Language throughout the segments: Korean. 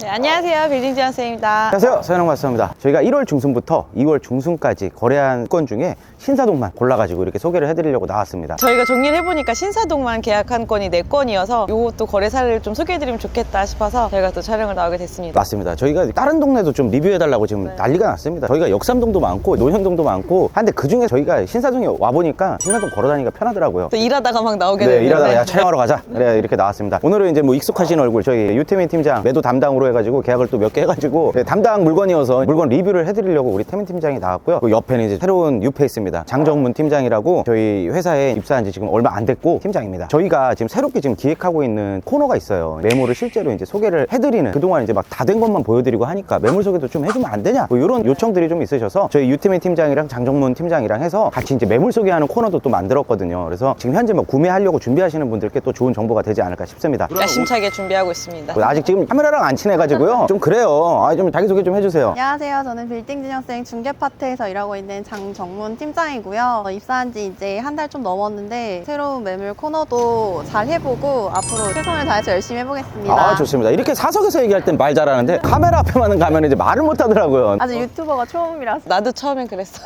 네, 안녕하세요. 빌딩 지원쌤입니다. 안녕하세요. 서현웅 마스터입니다. 저희가 1월 중순부터 2월 중순까지 거래한 건 중에 신사동만 골라가지고 이렇게 소개를 해드리려고 나왔습니다. 저희가 정리를 해보니까 신사동만 계약한 건이 4건이어서 이것도 거래사를 좀 소개해드리면 좋겠다 싶어서 저희가 또 촬영을 나오게 됐습니다. 맞습니다. 저희가 다른 동네도 좀 리뷰해달라고 지금 난리가 났습니다. 저희가 역삼동도 많고 논현동도 많고 한데 그중에 저희가 신사동에 와보니까 신사동 걸어다니기가 편하더라고요. 또 일하다가 막 나오게 네, 되는데 일하다가 야 촬영하러 가자. 그래 이렇게 나왔습니다. 오늘은 이제 뭐 익숙하신 얼굴 저희 유태민 팀장 매도 담당으로 해가지고 계약을 또 몇 개 해가지고 담당 물건이어서 물건 리뷰를 해드리려고 우리 태민 팀장이 나왔고요. 그 옆에는 이제 새로운 뉴페이스입니다. 장정문 팀장이라고 저희 회사에 입사한 지 지금 얼마 안 됐고 팀장입니다. 저희가 지금 새롭게 지금 기획하고 있는 코너가 있어요. 매물을 실제로 이제 소개를 해드리는, 그동안 이제 막 다 된 것만 보여드리고 하니까 매물 소개도 좀 해주면 안 되냐, 뭐 이런 요청들이 좀 있으셔서 저희 유태민 팀장이랑 장정문 팀장이랑 해서 같이 이제 매물 소개하는 코너도 또 만들었거든요. 그래서 지금 현재 뭐 구매하려고 준비하시는 분들께 또 좋은 정보가 되지 않을까 싶습니다. 야심차게 준비하고 있습니다. 아직 지금 카메라랑 안 친해가지고요. 좀 그래요. 좀 자기소개 좀 해주세요. 안녕하세요. 저는 빌딩 진영생 중개파트에서 일하고 있는 장정문 팀장이고요. 입사한 지 이제 한 달 좀 넘었는데 새로운 매물 코너도 잘 해보고 앞으로 최선을 다해서 열심히 해보겠습니다. 좋습니다. 이렇게 사석에서 얘기할 땐 말 잘하는데 카메라 앞에만 가면 이제 말을 못 하더라고요. 아직 유튜버가 처음이라서. 나도 처음엔 그랬어.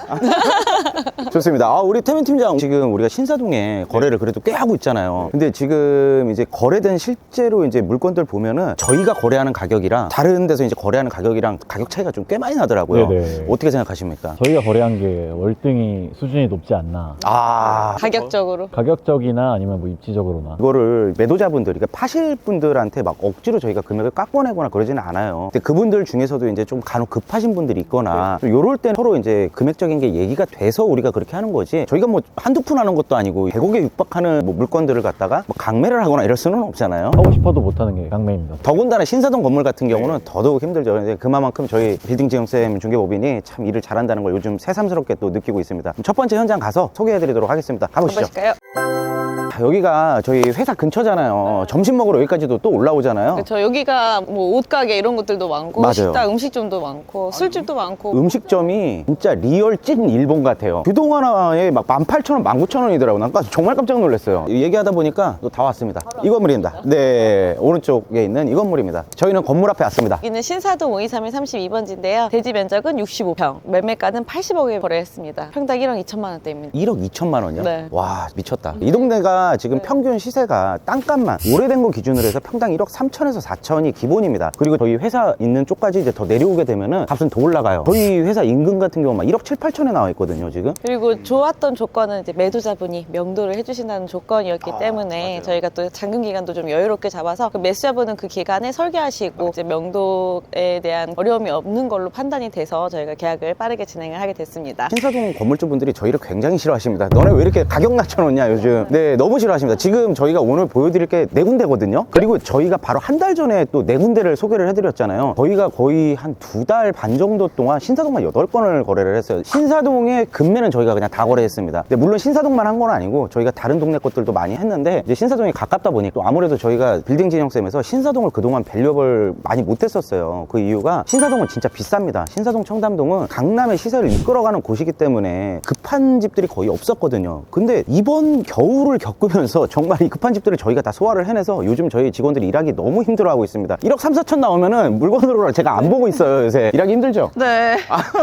좋습니다. 우리 태민 팀장, 지금 우리가 신사동에 거래를 그래도 꽤 하고 있잖아요. 근데 지금 이제 거래된 실제로 이제 물건들 보면은 저희가 거래하는 가격이랑 다른 데서 이제 거래하는 가격이랑 가격 차이가 좀 꽤 많이 나더라고요. 네네. 어떻게 생각하십니까? 저희가 거래한 게 월등히 수준이 높지 않나. 가격적으로. 가격적이나 아니면 뭐 입지적으로나. 이거를 매도자분들, 그러니까 파실 분들한테 막 억지로 저희가 금액을 깎아내거나 그러지는 않아요. 근데 그분들 중에서도 이제 좀 간혹 급하신 분들이 있거나 좀 요럴 때 서로 이제 금액적인 게 얘기가 돼서 우리가 그렇게 하는 거지, 저희가 뭐 한두 푼 하는 것도 아니고 100억에 육박하는 뭐 물건들을 갖다가 뭐 강매를 하거나 이럴 수는 없잖아요. 하고 싶어도 못하는 게 강매입니다. 더군다나 신사동 건물 같은 경우는 더더욱 힘들죠. 근데 그만큼 저희 빌딩 지형쌤 중개법인이 참 일을 잘한다는 걸 요즘 새삼스럽게 또 느끼고 있습니다. 첫 번째 현장 가서 소개해드리도록 하겠습니다. 가보시죠. 가보실까요? 여기가 저희 회사 근처잖아요. 점심 먹으러 여기까지도 또 올라오잖아요. 그렇죠. 여기가 뭐 옷가게 이런 것들도 많고, 맞아요. 식당, 음식점도 많고, 술집도 많고. 음식점이 진짜 리얼 찐 일본 같아요. 규동 하나에 막 18,000원, 19,000원이더라고요. 난 정말 깜짝 놀랐어요. 얘기하다 보니까 또 다 왔습니다. 이 건물입니다. 네, 오른쪽에 있는 이 건물입니다. 저희는 건물 앞에 왔습니다. 여기는 신사동 523의 32번지인데요. 대지 면적은 65평, 매매가는 80억에 거래했습니다. 평당 1억 2천만 원대입니다. 1억 2천만 원이요? 네. 와, 미쳤다. 이 동네가 지금 평균 시세가 땅값만 오래된 거 기준으로 해서 평당 1억 3천에서 4천이 기본입니다. 그리고 저희 회사 있는 쪽까지 이제 더 내려오게 되면은 값은 더 올라가요. 저희 회사 인근 같은 경우 막 1억 7, 8천에 나와 있거든요, 지금. 그리고 좋았던 조건은 이제 매도자분이 명도를 해주신다는 조건이었기 때문에 맞아요. 저희가 또 잔금 기간도 좀 여유롭게 잡아서 그 매수자분은 그 기간에 설계하시고 이제 명도에 대한 어려움이 없는 걸로 판단이 돼서 저희가 계약을 빠르게 진행을 하게 됐습니다. 신사동 건물주분들이 저희를 굉장히 싫어하십니다. 너네 왜 이렇게 가격 낮춰놓냐 요즘. 네, 너무 싫어하십니다. 지금 저희가 오늘 보여드릴 게 4군데거든요. 그리고 저희가 바로 한 달 전에 또 4군데를 소개를 해드렸잖아요. 저희가 거의 한 2달 반 정도 동안 신사동만 8건을 거래를 했어요. 신사동의 금매는 저희가 그냥 다 거래했습니다. 근데 물론 신사동만 한 건 아니고 저희가 다른 동네 것들도 많이 했는데 이제 신사동이 가깝다 보니 또 아무래도 저희가 빌딩 진영쌤에서 신사동을 그동안 밸류업을 많이 못했었어요. 그 이유가 신사동은 진짜 비쌉니다. 신사동 청담동은 강남의 시세를 이끌어가는 곳이기 때문에 급한 집들이 거의 없었거든요. 근데 이번 겨울을 겪으면서 정말 이 급한 집들을 저희가 다 소화를 해내서 요즘 저희 직원들이 일하기 너무 힘들어하고 있습니다. 1억 3, 4천 나오면은 물건으로 제가 안 보고 있어요. 요새 일하기 힘들죠? 네.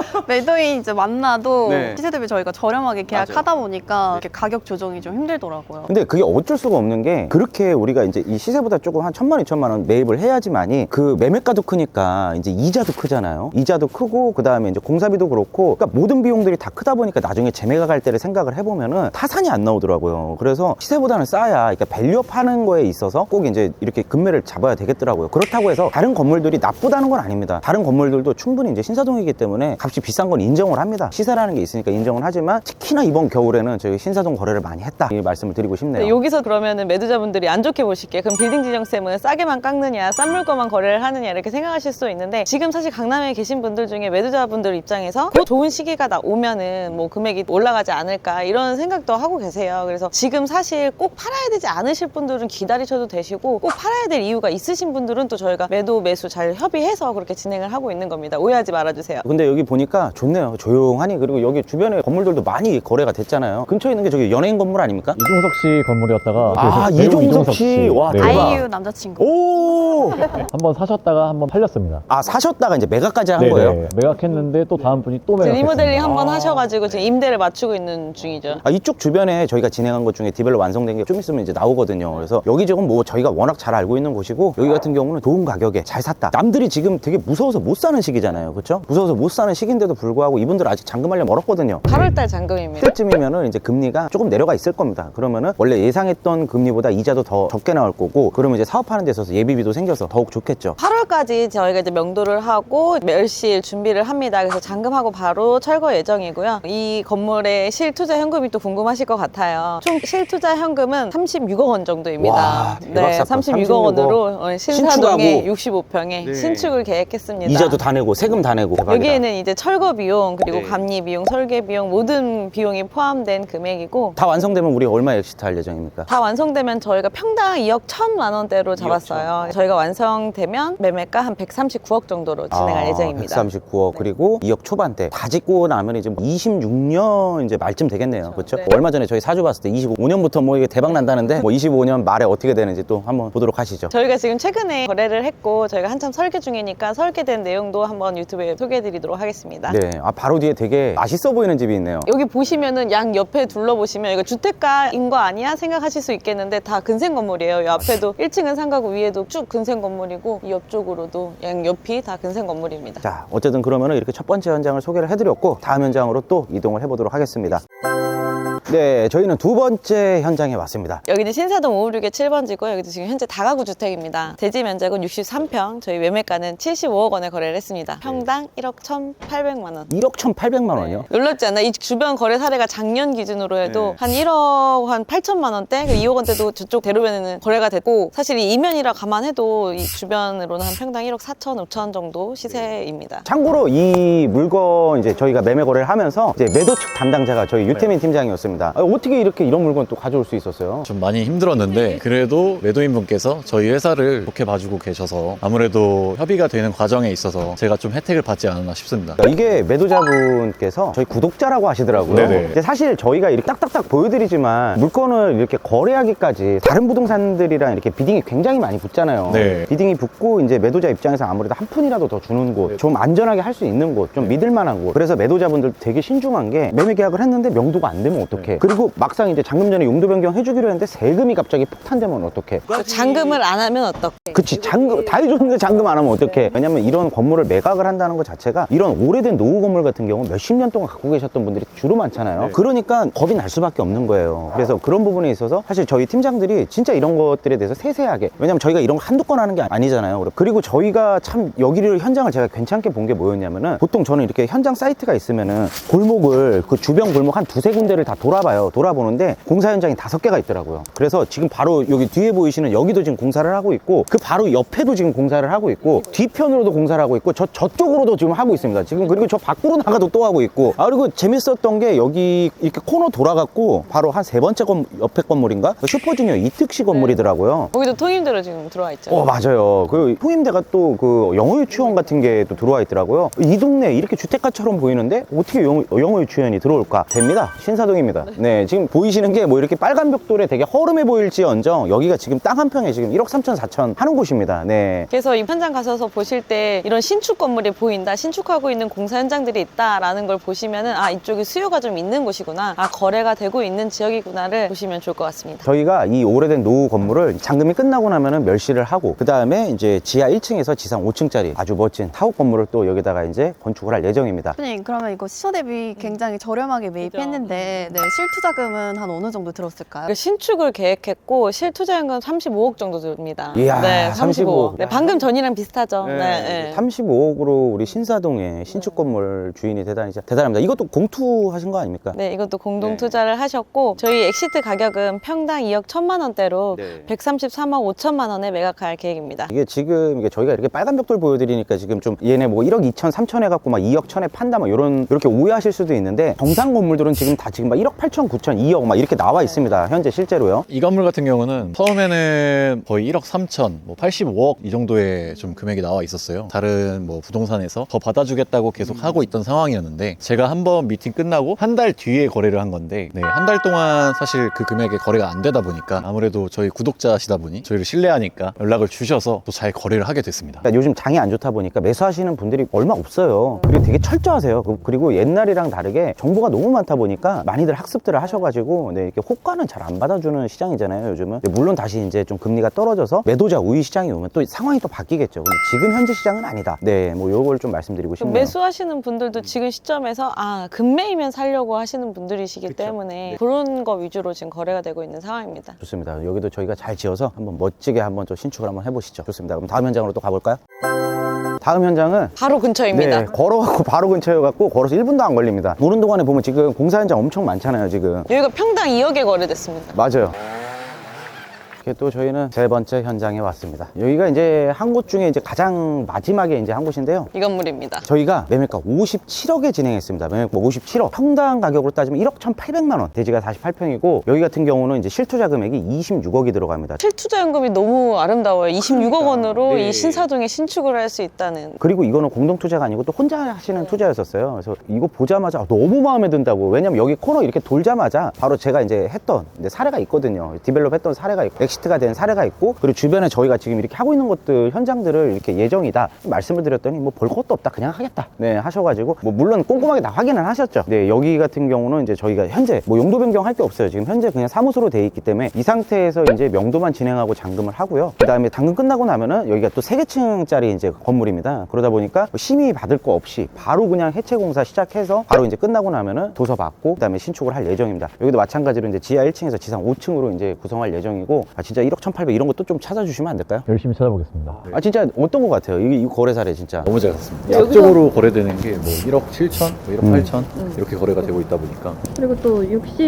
매도인 이제 만나도 네. 시세 대비 저희가 저렴하게 계약하다 보니까 이렇게 가격 조정이 좀 힘들더라고요. 근데 그게 어쩔 수가 없는 게, 그렇게 우리가 이제 이 시세보다 조금 한 1,000만 원, 2천만 원 매입을 해야지만이 그 매매가도 크니까 이제 이자도 크잖아요. 이자도 크고 그 다음에 이제 공사비도 그렇고, 그러니까 모든 비용들이 다 크다 보니까 나중에 재매가 갈 때를 생각을 해보면은 타산이 안 나오더라고요. 그래서 시세보다는 싸야, 그러니까 밸류업 하는 거에 있어서 꼭 이제 이렇게 금매를 잡아야 되겠더라고요. 그렇다고 해서 다른 건물들이 나쁘다는 건 아닙니다. 다른 건물들도 충분히 이제 신사동이기 때문에 값이 비싼 건 인정을 합니다. 시세라는 게 있으니까 인정을 하지만 특히나 이번 겨울에는 저희 신사동 거래를 많이 했다, 이 말씀을 드리고 싶네요. 네, 여기서 그러면은 매도자분들이 안 좋게 보실게. 그럼 빌딩 지정쌤은 싸게만 깎느냐, 싼 물건만 거래를 하느냐 이렇게 생각하실 수도 있는데, 지금 사실 강남에 계신 분들 중에 매도자분들 입장에서 곧 좋은 시기가 오면은 뭐 금액이 올라가지 않을까 이런 생각도 하고 계세요. 그래서 지금 사실 꼭 팔아야 되지 않으실 분들은 기다리셔도 되시고, 꼭 팔아야 될 이유가 있으신 분들은 또 저희가 매도 매수 잘 협의해서 그렇게 진행을 하고 있는 겁니다. 오해하지 말아주세요. 근데 여기 보니까 좋네요. 조용하니. 그리고 여기 주변에 건물들도 많이 거래가 됐잖아요. 근처에 있는 게 저기 연예인 건물 아닙니까? 이종석 씨 건물이었다가 아, 배우 이종석 씨. 와, 네. 대박. 아이유 남자친구. 오! 한번 사셨다가 한번 팔렸습니다. 아, 사셨다가 이제 매각까지 한 네네. 거예요? 매각했는데 또 다음 분이 또 지금 매각했습니다. 리모델링 한번 하셔가지고 지금 임대를 맞추고 있는 중이죠. 아, 이쪽 주변에 저희가 진행한 것 중에 디벨롭 완성된 게 좀 있으면 이제 나오거든요. 그래서 여기저기 뭐 저희가 워낙 잘 알고 있는 곳이고, 여기 같은 경우는 좋은 가격에 잘 샀다. 남들이 지금 되게 무서워서 못 사는 시기잖아요. 그렇죠? 무서워서 못 사는 시기인데도 불구하고 이분들 아직 잔금하려 멀었거든요. 8월달 잔금입니다. 그때쯤이면은 이제 금리가 조금 내려가 있을 겁니다. 그러면은 원래 예상했던 금리보다 이자도 더 적게 나올 거고, 그러면 이제 사업하는 데 있어서 예비비도 생겨서 더욱 좋겠죠. 8월까지 저희가 이제 명도를 하고 멸실 준비를 합니다. 그래서 잔금하고 바로 철거 예정이고요. 이 건물의 실투자 현금이 또 궁금하실 것 같아요. 총 실투자 현금은 36억 원 정도입니다. 와, 대박 네, 사건. 36억 원으로 신사동에 신축하고. 65평에 네. 신축을 계획했습니다. 이자도 다 내고 세금 다 내고. 대박이다. 여기에는 이제 철거 비용 그리고 네. 감리 비용, 설계 비용 모든 비용이 포함된 금액이고, 다 완성되면 우리 얼마 엑시트 할 예정입니까? 다 완성되면 저희가 평당 2억 1천만 원대로 잡았어요. 저희가 완성되면 매매가 한 139억 정도로 진행할 예정입니다. 139억 그리고 2억 초반대 다 짓고 나면 이제 26년 이제 말쯤 되겠네요. 그렇죠? 네. 얼마 전에 저희 사주 봤을 때 25년부터 뭐 이게 대박 난다는데 뭐 25년 말에 어떻게 되는지 또 한번 보도록 하시죠. 저희가 지금 최근에 거래를 했고 저희가 한참 설계 중이니까 설계된 내용도 한번 유튜브에 소개해드리도록 하겠습니다. 네, 아 바로 뒤에 되게 맛있어 보이는 집이 있네요. 여기 보시면은 양 옆에 둘러보시면 이거 주택가인 거 아니야 생각하실 수 있겠는데 다 근생 건물이에요. 이 앞에도 1층은 상가고 위에도 쭉 근생 건물이고 이 옆쪽으로도 양 옆이 다 근생 건물입니다. 자, 어쨌든 그러면은 이렇게 첫 번째 현장을 소개를 해드렸고 다음 현장으로 또 이동을 해보도록 하겠습니다. 네, 저희는 두 번째 현장에 왔습니다. 여기는 신사동 556의 7번지고 여기도 지금 현재 다가구 주택입니다. 대지 면적은 63평, 저희 매매가는 75억 원에 거래를 했습니다. 평당 1억 1,800만 원. 1억 1,800만 원이요? 놀랍지 않나? 이 주변 거래 사례가 작년 기준으로 해도 한 1억 한 8천만 원대, 2억 원대도 저쪽 대로변에는 거래가 됐고, 사실 이 이면이라 감안해도 이 주변으로는 한 평당 1억 4천, 5천 정도 시세입니다. 참고로 이 물건 이제 저희가 매매 거래를 하면서 이제 매도 측 담당자가 저희 유태민 팀장이었습니다. 어떻게 이렇게 이런 물건 또 가져올 수 있었어요? 좀 많이 힘들었는데 그래도 매도인분께서 저희 회사를 좋게 봐주고 계셔서 아무래도 협의가 되는 과정에 있어서 제가 좀 혜택을 받지 않았나 싶습니다. 이게 매도자분께서 저희 구독자라고 하시더라고요. 네네. 근데 사실 저희가 이렇게 딱딱딱 보여드리지만 물건을 이렇게 거래하기까지 다른 부동산들이랑 이렇게 비딩이 굉장히 많이 붙잖아요. 네. 비딩이 붙고 이제 매도자 입장에서 아무래도 한 푼이라도 더 주는 곳, 좀 안전하게 할 수 있는 곳, 좀 믿을 만한 곳. 그래서 매도자분들 되게 신중한 게 매매 계약을 했는데 명도가 안 되면 어떡해. 그리고 막상 이제 잔금 전에 용도 변경 해주기로 했는데 세금이 갑자기 폭탄되면 어떡해. 잔금을 안 하면 어떡해? 그치, 잔금 다 해줬는데 잔금 안 하면 어떡해. 왜냐면 이런 건물을 매각을 한다는 것 자체가 이런 오래된 노후 건물 같은 경우 몇십 년 동안 갖고 계셨던 분들이 주로 많잖아요. 그러니까 겁이 날 수밖에 없는 거예요. 그래서 그런 부분에 있어서 사실 저희 팀장들이 진짜 이런 것들에 대해서 세세하게, 왜냐면 저희가 이런 거 한두 건 하는 게 아니잖아요. 그리고 저희가 참 여기를 현장을 제가 괜찮게 본 게 뭐였냐면은, 보통 저는 이렇게 현장 사이트가 있으면은 골목을 그 주변 골목 한 두세 군데를 다 돌아봐요. 돌아보는데 공사 현장이 5개가 있더라고요. 그래서 지금 바로 여기 뒤에 보이시는 여기도 지금 공사를 하고 있고, 그 바로 옆에도 지금 공사를 하고 있고, 뒤편으로도 공사를 하고 있고, 저쪽으로도 지금 하고 있습니다. 지금 그리고 저 밖으로 나가도 또 하고 있고. 아, 그리고 재밌었던 게 여기 이렇게 코너 돌아갔고 바로 한 세 번째 옆에 건물인가? 슈퍼주니어 이특시 건물이더라고요. 거기도 통임대로 지금 들어와 있죠. 맞아요. 그 통임대가 또 그 영어 유치원 같은 게 또 들어와 있더라고요. 이 동네 이렇게 주택가처럼 보이는데 어떻게 영어 유치원이 들어올까? 됩니다. 신사동입니다. 네, 지금 보이시는 게 뭐 이렇게 빨간 벽돌에 되게 허름해 보일지언정 여기가 지금 땅 한 평에 지금 1억 3천 4천 하는 곳입니다. 네. 그래서 이 현장 가셔서 보실 때 이런 신축 건물이 보인다, 신축하고 있는 공사 현장들이 있다라는 걸 보시면은 아, 이쪽에 수요가 좀 있는 곳이구나, 아, 거래가 되고 있는 지역이구나를 보시면 좋을 것 같습니다. 저희가 이 오래된 노후 건물을 잔금이 끝나고 나면은 멸실을 하고, 그 다음에 이제 지하 1층에서 지상 5층짜리 아주 멋진 타워 건물을 또 여기다가 이제 건축을 할 예정입니다. 대표님, 그러면 이거 시초 대비 굉장히 저렴하게 매입했는데 네, 실투자금은 한 어느 정도 들었을까요? 신축을 계획했고 실투자금은 35억 정도 듭니다. 이야, 네, 35억. 네, 방금 전이랑 비슷하죠. 네, 네. 35억으로 우리 신사동에 신축 건물 주인이 대단합니다. 이것도 공투하신 거 아닙니까? 네, 이것도 공동 투자를 하셨고 저희 엑시트 가격은 평당 2억 1천만 원대로 133억 5천만 원에 매각할 계획입니다. 이게 지금 이게 저희가 이렇게 빨간 벽돌 보여드리니까 지금 좀 얘네 뭐 1억 2천 3천 해갖고 막 2억 1천에 판다 막 이렇게 오해하실 수도 있는데, 정상 건물들은 지금 다 지금 막 1억 8천, 9천, 2억 막 이렇게 나와 있습니다. 현재 실제로요. 이 건물 같은 경우는 처음에는 거의 1억 3천, 뭐 85억 이 정도의 좀 금액이 나와 있었어요. 다른 뭐 부동산에서 더 받아주겠다고 계속 하고 있던 상황이었는데 제가 한번 미팅 끝나고 한 달 뒤에 거래를 한 건데 네, 한 달 동안 사실 그 금액에 거래가 안 되다 보니까 아무래도 저희 구독자시다 보니 저희를 신뢰하니까 연락을 주셔서 또 잘 거래를 하게 됐습니다. 그러니까 요즘 장이 안 좋다 보니까 매수하시는 분들이 얼마 없어요. 그리고 되게 철저하세요. 그리고 옛날이랑 다르게 정보가 너무 많다 보니까 많이들 학습들을 하셔가지고 네, 이렇게 호가는 잘 안 받아주는 시장이잖아요, 요즘은. 물론 다시 이제 좀 금리가 떨어져서 매도자 우위 시장이 오면 또 상황이 또 바뀌겠죠. 근데 지금 현재 시장은 아니다. 네, 뭐 요걸 좀 말씀드리고 싶네요. 매수하시는 분들도 지금 시점에서 금매이면 살려고 하시는 분들이시기 때문에 그런 거 위주로 지금 거래가 되고 있는 상황입니다. 좋습니다. 여기도 저희가 잘 지어서 한번 멋지게 한번 또 신축을 한번 해보시죠. 좋습니다. 그럼 다음 현장으로 또 가볼까요? 다음 현장은 바로 근처입니다. 네, 걸어갖고 바로 근처여갖고 걸어서 1분도 안 걸립니다. 오는 동안에 보면 지금 공사 현장 엄청 많잖아요, 지금. 여기가 평당 2억에 거래됐습니다. 맞아요. 이렇게 또 저희는 세 번째 현장에 왔습니다. 여기가 이제 한 곳 중에 이제 가장 마지막에 이제 한 곳인데요. 이 건물입니다. 저희가 매매가 57억에 진행했습니다. 매매가 57억. 평당 가격으로 따지면 1억 1,800만 원. 대지가 48평이고 여기 같은 경우는 이제 실투자 금액이 26억이 들어갑니다. 실투자연금이 너무 아름다워요. 26억 원으로 네. 이 신사동에 신축을 할 수 있다는. 그리고 이거는 공동 투자가 아니고 또 혼자 하시는 투자였었어요. 그래서 이거 보자마자 너무 마음에 든다고. 왜냐면 여기 코너 이렇게 돌자마자 바로 제가 이제 했던 이제 사례가 있거든요. 디벨롭 했던 사례가 있고 엑시트가 된 사례가 있고 그리고 주변에 저희가 지금 이렇게 하고 있는 것들 현장들을 이렇게 예정이다 말씀을 드렸더니 뭐 볼 것도 없다 그냥 하겠다 네 하셔가지고 뭐 물론 꼼꼼하게 다 확인을 하셨죠. 네 여기 같은 경우는 이제 저희가 현재 뭐 용도 변경할 게 없어요. 지금 현재 그냥 사무소로 돼 있기 때문에 이 상태에서 이제 명도만 진행하고 잔금을 하고요. 그 다음에 잔금 끝나고 나면은 여기가 또 3개층짜리 이제 건물입니다. 그러다 보니까 심의 받을 거 없이 바로 그냥 해체 공사 시작해서 바로 이제 끝나고 나면은 도서 받고 그 다음에 신축을 할 예정입니다. 여기도 마찬가지로 이제 지하 1층에서 지상 5층으로 이제 구성할 예정이고 진짜 1억 1,800 이런 것도 좀 찾아주시면 안 될까요? 열심히 찾아보겠습니다. 진짜 어떤 것 같아요? 이 거래 사례 진짜 너무 잘 샀습니다. 약적으로 거래되는 게 뭐 1억 7천, 뭐 1억 8천 이렇게 거래가 되고 있다 보니까 그리고 또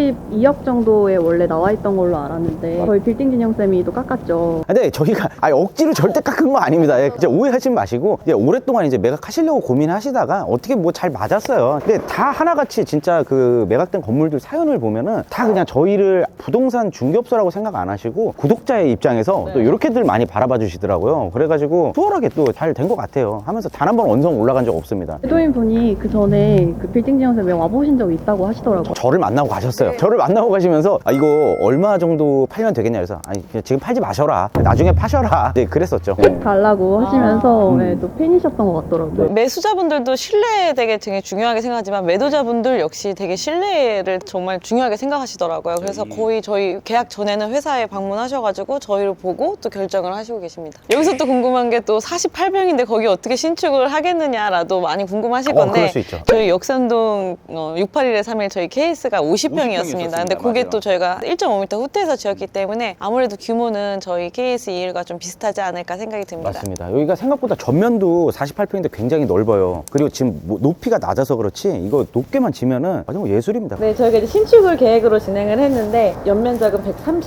62억 정도에 원래 나와 있던 걸로 알았는데 저희 빌딩 진영쌤이 또 깎았죠. 근데 저희가 억지로 절대 깎은 거 아닙니다. 예, 진짜 오해하지 마시고 오랫동안 이제 매각하시려고 고민하시다가 어떻게 뭐 잘 맞았어요. 근데 다 하나같이 진짜 그 매각된 건물들 사연을 보면은 다 그냥 저희를 부동산 중개업소라고 생각 안 하시고 구독자의 입장에서 또 이렇게들 많이 바라봐 주시더라고요. 그래가지고 수월하게 또 잘 된 것 같아요. 하면서 단 한 번 언성 올라간 적 없습니다. 매도인 분이 그 전에 그 빌딩 진영쌤에 와보신 적 있다고 하시더라고요. 저를 만나고 가셨어요. 저를 만나고 가시면서 이거 얼마 정도 팔면 되겠냐 그래서 아니 그냥 지금 팔지 마셔라. 나중에 파셔라. 네, 그랬었죠. 네. 달라고 하시면서 또 팬이셨던 것 같더라고요. 매수자분들도 신뢰 되게 중요하게 생각하지만 매도자분들 역시 되게 신뢰를 정말 중요하게 생각하시더라고요. 그래서 거의 저희 계약 전에는 회사에 방문하셔가지고 저희를 보고 또 결정을 하시고 계십니다. 여기서 또 궁금한 게 또 48평인데 거기 어떻게 신축을 하겠느냐라도 많이 궁금하실 건데 그럴 수 있죠. 저희 역삼동 681에 3일 저희 케이스가 50평이었습니다. 근데 그게 맞아요. 또 저희가 1.5m 후퇴해서 지었기 때문에 아무래도 규모는 저희 KS 21과 좀 비슷하지 않을까 생각이 듭니다. 맞습니다. 여기가 생각보다 전면도 48평인데 굉장히 넓어요. 그리고 지금 뭐 높이가 낮아서 그렇지 이거 높게만 지면은 아주 뭐 예술입니다. 네, 저희가 이제 신축을 계획으로 진행을 했는데 연면적은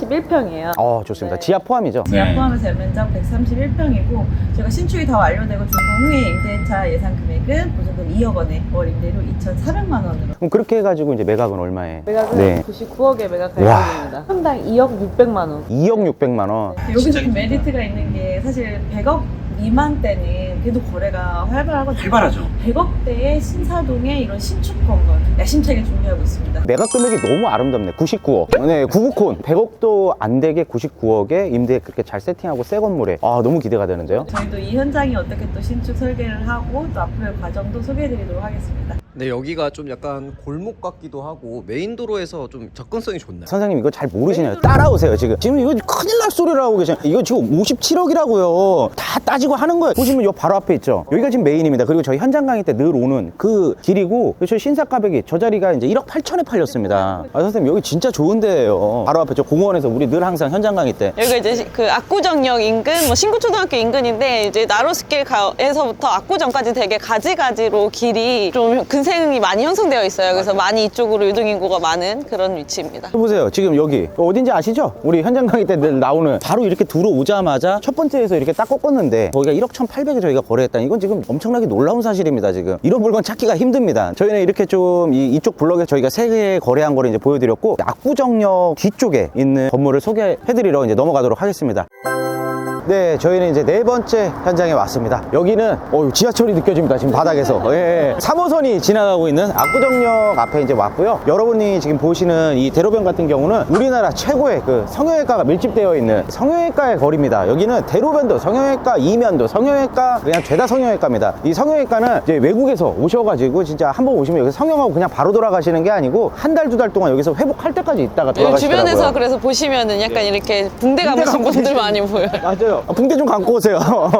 131평이에요. 좋습니다. 네. 지하 포함이죠? 지하 포함해서 연면적 131평이고 저희가 신축이 다 완료되고 준공 후에 임대차 예상 금액은 보증금 2억 원에 월 임대료 2,400만 원으로 그럼 그렇게 해가지고 이제 매각은 얼마에? 매각은 네. 99억에 매각할 와. 예정입니다. 평당 2억 600만 원. 2억 600만 원. 여기서 좀 메리트가 있는 게 사실 100억 미만대는 그래도 거래가 활발하거든요. 활발하죠. 100억대의 신사동에 이런 신축 건물 야심차게 준비하고 있습니다. 매각 금액이 너무 아름답네. 99억. 네, 99콘. 100억도 안 되게 99억에 임대 그렇게 잘 세팅하고 새 건물에. 너무 기대가 되는데요. 저희도 이 현장이 어떻게 또 신축 설계를 하고 또 앞으로의 과정도 소개해드리도록 하겠습니다. 근데 여기가 좀 약간 골목 같기도 하고 메인 도로에서 좀 접근성이 좋나요? 선생님 이거 잘 모르시네요. 따라오세요 지금. 지금 이거 큰일 날 소리를 하고 계시네요. 이거 지금 57억이라고요. 다 따지고 하는 거예요. 보시면 요 바로 앞에 있죠. 여기가 지금 메인입니다. 그리고 저희 현장 강의 때 늘 오는 그 길이고 저희 신사가백이 저 자리가 이제 1억 8천에 팔렸습니다. 선생님 여기 진짜 좋은 데예요. 바로 앞에 저 공원에서 우리 늘 항상 현장 강의 때 여기가 이제 그 압구정역 인근, 뭐 신구초등학교 인근인데 이제 나로스길에서부터 압구정까지 되게 가지가지로 길이 좀 민생이 많이 형성되어 있어요. 그래서 많이 이쪽으로 유동인구가 많은 그런 위치입니다. 보세요. 지금 여기 어딘지 아시죠? 우리 현장 강의 때 늘 나오는 바로 이렇게 들어오자마자 첫 번째에서 이렇게 딱 꺾었는데 거기가 1억 1,800에 저희가 거래했다는 이건 지금 엄청나게 놀라운 사실입니다. 지금 이런 물건 찾기가 힘듭니다. 저희는 이렇게 좀 이쪽 블럭에 저희가 3개 거래한 거를 이제 보여드렸고 압구정역 뒤쪽에 있는 건물을 소개해드리러 이제 넘어가도록 하겠습니다. 네, 저희는 이제 4번째 현장에 왔습니다. 여기는 지하철이 느껴집니다. 지금 바닥에서. 예, 3호선이 지나가고 있는 압구정역 앞에 이제 왔고요. 여러분이 지금 보시는 이 대로변 같은 경우는 우리나라 최고의 그 성형외과가 밀집되어 있는 성형외과의 거리입니다. 여기는 대로변도 성형외과, 이면도 성형외과, 그냥 죄다 성형외과입니다. 이 성형외과는 이제 외국에서 오셔가지고 진짜 한번 오시면 여기서 성형하고 그냥 바로 돌아가시는 게 아니고 한 달, 2달 동안 여기서 회복할 때까지 있다가 돌아가시더라고요. 주변에서 그래서 보시면은 약간 이렇게 붕대 감으신 분들 많이 보여요. 맞아요. 붕대 좀 감고 오세요.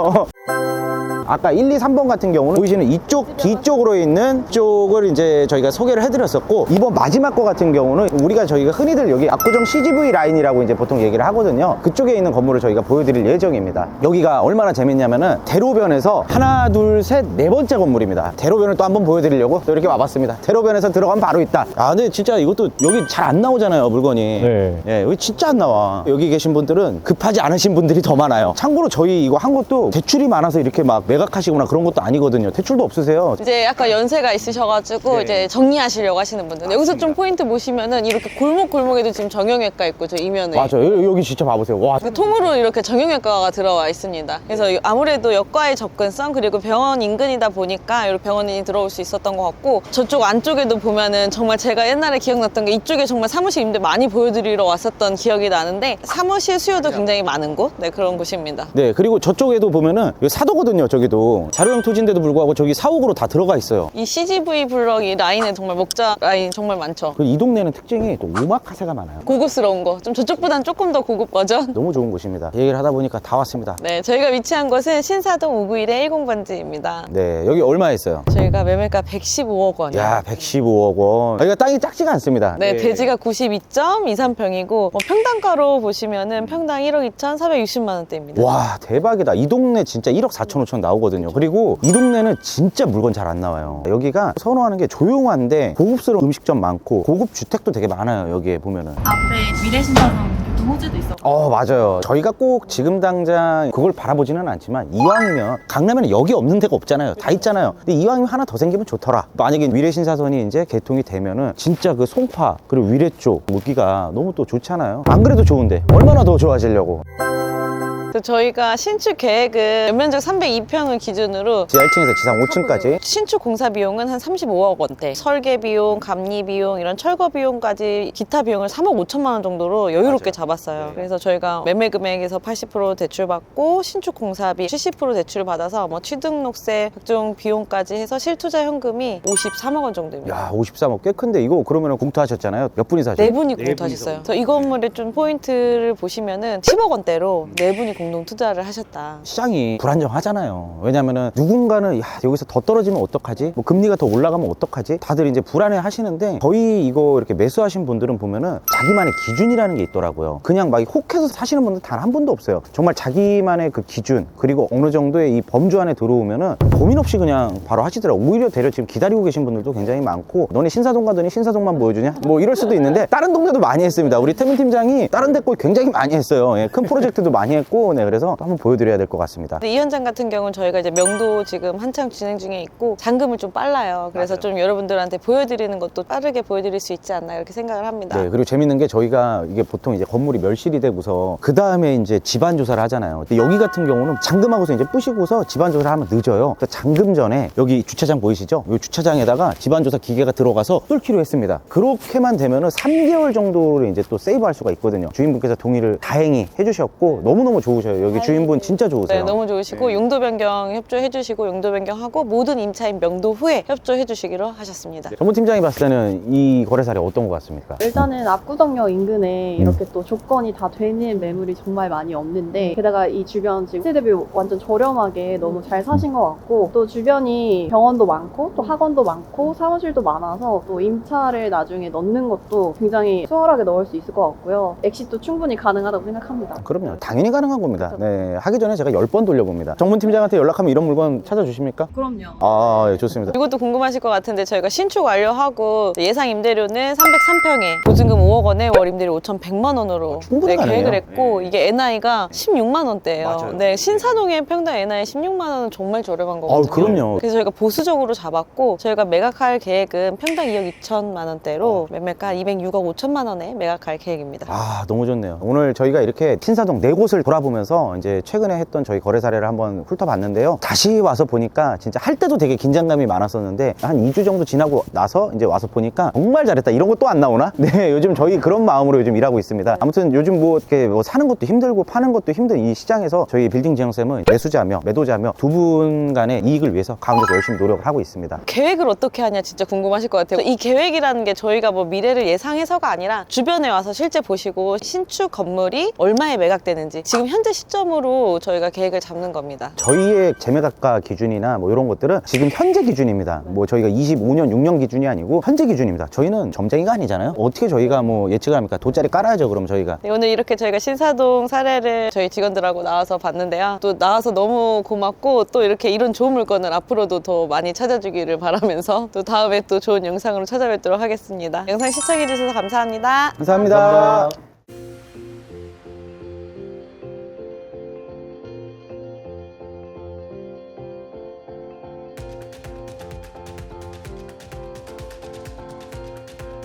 아까 1, 2, 3번 같은 경우는 보이시는 이쪽 뒤쪽으로 있는 쪽을 이제 저희가 소개를 해드렸었고, 이번 마지막 거 같은 경우는 저희가 흔히들 여기 압구정 CGV 라인이라고 이제 보통 얘기를 하거든요. 그쪽에 있는 건물을 저희가 보여드릴 예정입니다. 여기가 얼마나 재밌냐면은 대로변에서 하나, 둘, 셋, 4번째 건물입니다. 대로변을 또 한번 보여드리려고 또 이렇게 와봤습니다. 대로변에서 들어가면 바로 있다. 근데 진짜 이것도 여기 잘 안 나오잖아요, 물건이. 네. 예, 여기 진짜 안 나와. 여기 계신 분들은 급하지 않으신 분들이 더 많아요. 참고로 저희 이거 한 것도 대출이 많아서 이렇게 막 매각하시거나 그런 것도 아니거든요. 대출도 없으세요. 이제 약간 연세가 있으셔가지고 이제 정리하시려고 하시는 분들. 여기서 좀 포인트 보시면은 이렇게 골목골목에도 지금 정형외과 있고 저 이면에. 맞아요. 여기 진짜 봐보세요. 와. 그 통으로 이렇게 정형외과가 들어와 있습니다. 그래서 아무래도 역과의 접근성 그리고 병원 인근이다 보니까 이렇게 병원인이 들어올 수 있었던 것 같고, 저쪽 안쪽에도 보면은 정말 제가 옛날에 기억났던 게 이쪽에 정말 사무실 임대 많이 보여드리러 왔었던 기억이 나는데 사무실 수요도 굉장히 많은 곳, 네, 그런 곳입니다. 네, 그리고 저쪽에도 보면은 여기 사도거든요. 저기도 자료형 토지인데도 불구하고 저기 사옥으로 다 들어가 있어요. 이 CGV 블럭 이 라인에 정말 목자 라인 정말 많죠. 그리고 이 동네는 특징이 또 오마카세가 많아요. 고급스러운 거, 좀 저쪽보단 조금 더 고급 버전. 너무 좋은 곳입니다. 얘기를 하다 보니까 다 왔습니다. 네, 저희가 위치한 곳은 신사동 591의 10번지입니다. 네, 여기 얼마 했어요? 저희가 매매가 115억 원이요. 야, 115억 원. 여기가 땅이 작지가 않습니다. 네, 대지가 92.23평이고 평당가로 보시면은 평당 1억 2,460만 원대입니다. 와, 대박이다. 이 동네 진짜 1억 4천 5천 나오거든요. 그리고 이 동네는 진짜 물건 잘 안 나와요. 여기가 선호하는 게 조용한데 고급스러운 음식점 많고 고급 주택도 되게 많아요. 여기에 보면은. 앞에 미래신사동 교통호재도 있어. 맞아요. 저희가 꼭 지금 당장 그걸 바라보지는 않지만 이왕이면 강남에는 여기 없는 데가 없잖아요. 다 있잖아요. 근데 이왕이면 하나 더 생기면 좋더라. 만약에 위례신사선이 이제 개통이 되면은 진짜 그 송파 그리고 위례 쪽 무기가 너무 또 좋잖아요. 안 그래도 좋은데 얼마나 더 좋아지려고. 저희가 신축 계획은 연면적 302평을 기준으로 지하 1층에서 지상 5층까지 신축 공사 비용은 한 35억 원대, 설계 비용, 감리 비용, 이런 철거 비용까지 기타 비용을 3억 5천만 원 정도로 여유롭게 잡았어요. 그래서 저희가 매매 금액에서 80% 대출받고 신축 공사비 70% 대출을 받아서 뭐 취등록세, 각종 비용까지 해서 실투자 현금이 53억 원 정도입니다. 야, 53억 꽤 큰데 이거 그러면 공투하셨잖아요. 몇 분이서 하셨어요? 4분이 공투하셨어요. 그래서 이 건물의 좀 포인트를 보시면은 10억 원대로 4분이 공동 투자를 하셨다. 시장이 불안정하잖아요. 왜냐면은 누군가는 여기서 더 떨어지면 어떡하지? 뭐 금리가 더 올라가면 어떡하지? 다들 이제 불안해 하시는데 저희 이거 이렇게 매수하신 분들은 보면은 자기만의 기준이라는 게 있더라고요. 그냥 막 혹해서 사시는 분들 단 한 분도 없어요. 정말 자기만의 그 기준 그리고 어느 정도의 이 범주 안에 들어오면은 고민 없이 그냥 바로 하시더라고요. 오히려 대려 지금 기다리고 계신 분들도 굉장히 많고, 너네 신사동 가더니 신사동만 보여주냐? 뭐 이럴 수도 있는데 다른 동네도 많이 했습니다. 우리 태민 팀장이 다른 데 거 굉장히 많이 했어요. 예, 큰 프로젝트도 많이 했고, 네, 그래서 또 한번 보여드려야 될 것 같습니다. 근데 이 현장 같은 경우는 저희가 이제 명도 지금 한창 진행 중에 있고 잔금을 좀 빨라요. 그래서 좀 여러분들한테 보여드리는 것도 빠르게 보여드릴 수 있지 않나 이렇게 생각을 합니다. 네, 그리고 재밌는 게 저희가 이게 보통 이제 건물이 멸실이 되고서 그 다음에 이제 집안 조사를 하잖아요. 근데 여기 같은 경우는 잔금하고서 이제 부시고서 집안 조사를 하면 늦어요. 그래서 잔금 전에 여기 주차장 보이시죠? 이 주차장에다가 집안 조사 기계가 들어가서 뚫기로 했습니다. 그렇게만 되면은 3개월 정도를 이제 또 세이브할 수가 있거든요. 주인분께서 동의를 다행히 해주셨고 너무너무 좋으셔요. 여기 주인분 진짜 좋으세요. 네, 너무 좋으시고 용도 변경 협조해 주시고 용도 변경하고 모든 임차인 명도 후에 협조해 주시기로 하셨습니다. 전문 팀장이 봤을 때는 이 거래 사례 어떤 것 같습니까? 일단은 압구정역 인근에 이렇게 또 조건이 다 되는 매물이 정말 많이 없는데, 게다가 이 주변 지금 시세 대비 완전 저렴하게 너무 잘 사신 것 같고, 또 주변이 병원도 많고 또 학원도 많고 사무실도 많아서 또 임차를 나중에 넣는 것도 굉장히 수월하게 넣을 수 있을 것 같고요. 엑시도 충분히 가능하다고 생각합니다. 그럼요. 당연히 가능한 겁니다. 겁니다. 네, 하기 전에 제가 10번 돌려봅니다. 정문팀장한테 연락하면 이런 물건 찾아주십니까? 그럼요. 아, 예, 좋습니다. 이것도 궁금하실 것 같은데 저희가 신축 완료하고 예상 임대료는 303평에 보증금 5억 원에 월 임대료 5,100만 원으로 충분히 가네요. 계획을 했고 이게 NI가 16만 원대예요. 맞아요. 네, 신사동의 평당 NI 16만 원은 정말 저렴한 거거든요. 그럼요. 그래서 저희가 보수적으로 잡았고 저희가 매각할 계획은 평당 2억 2천만 원대로 매매가 206억 5천만 원에 매각할 계획입니다. 아, 너무 좋네요. 오늘 저희가 이렇게 신사동 4곳을 돌아보면서 이제 최근에 했던 저희 거래 사례를 한번 훑어봤는데요. 다시 와서 보니까 진짜 할 때도 되게 긴장감이 많았었는데 한 2주 정도 지나고 나서 이제 와서 보니까 정말 잘했다. 이런 거 또 안 나오나? 네, 요즘 저희 그런 마음으로 요즘 일하고 있습니다. 아무튼 요즘 뭐 이렇게 뭐 사는 것도 힘들고 파는 것도 힘든 이 시장에서 저희 빌딩 지정쌤은 매수자며 매도자며 두 분 간의 이익을 위해서 가운데서 열심히 노력을 하고 있습니다. 계획을 어떻게 하냐 진짜 궁금하실 것 같아요. 이 계획이라는 게 저희가 뭐 미래를 예상해서가 아니라 주변에 와서 실제 보시고 신축 건물이 얼마에 매각되는지 지금 현재 시점으로 저희가 계획을 잡는 겁니다. 저희의 재매각가 기준이나 뭐 이런 것들은 지금 현재 기준입니다. 뭐 저희가 25년, 6년 기준이 아니고 현재 기준입니다. 저희는 점쟁이가 아니잖아요. 어떻게 저희가 뭐 예측을 합니까? 돗자리 깔아야죠, 그럼 저희가. 네, 오늘 이렇게 저희가 신사동 사례를 저희 직원들하고 나와서 봤는데요. 또 나와서 너무 고맙고 또 이렇게 이런 좋은 물건을 앞으로도 더 많이 찾아주기를 바라면서 또 다음에 또 좋은 영상으로 찾아뵙도록 하겠습니다. 영상 시청해주셔서 감사합니다. 감사합니다.